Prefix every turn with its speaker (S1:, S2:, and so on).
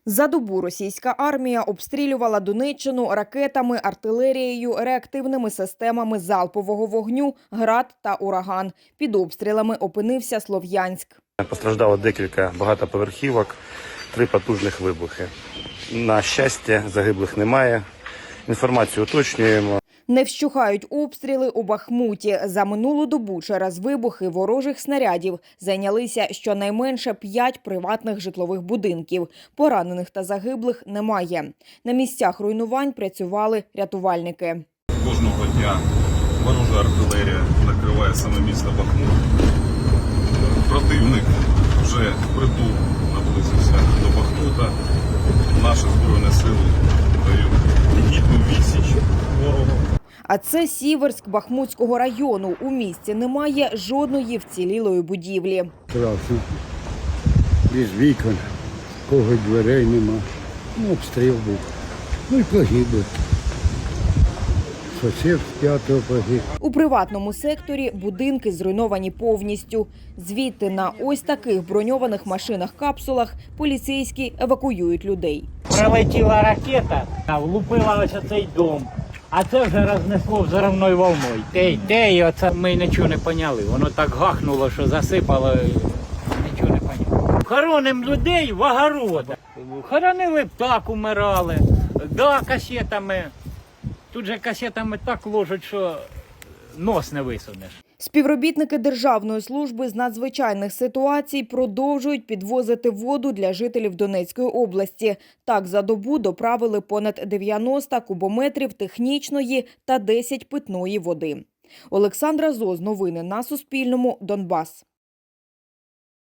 S1: За добу російська армія обстрілювала Донеччину ракетами, артилерією, реактивними системами залпового вогню, «Град» та «Ураган». Під обстрілами опинився Слов'янськ.
S2: Постраждало декілька багатоповерхівок, 3 потужних вибухи. На щастя, загиблих немає. Інформацію уточнюємо.
S1: Не вщухають обстріли у Бахмуті. За минулу добу через вибухи ворожих снарядів зайнялися щонайменше 5 приватних житлових будинків. Поранених та загиблих немає. На місцях руйнувань працювали рятувальники.
S3: Кожного дня ворожа артилерія накриває саме місто Бахмут. Противник вже впритул наблизився до Бахмута. Наші Збройні сили дають гідну відсіч ворогу.
S1: А це Сіверськ Бахмутського району. У місті немає жодної вцілілої будівлі.
S4: Страшно. Без вікон, кого дверей нема. Обстріл був. І погибли. Сусід з 5-го погиб.
S1: У приватному секторі будинки зруйновані повністю. Звідти на ось таких броньованих машинах-капсулах поліцейські евакуюють людей.
S5: Прилетіла ракета, влупила ось цей дом. А це вже рознесло взривною волною. І оце ми нічого не поняли. Воно так гахнуло, що засипало, нічого не поняли. Хороним людей в огородах. Хоронили птах, умирали. Да, касетами. Тут же касетами так ложать, що нос не висунеш.
S1: Співробітники Державної служби з надзвичайних ситуацій продовжують підвозити воду для жителів Донецької області. Так, за добу доправили понад 90 кубометрів технічної та 10 питної води. Олександра Зоз. Новини на Суспільному. Донбас.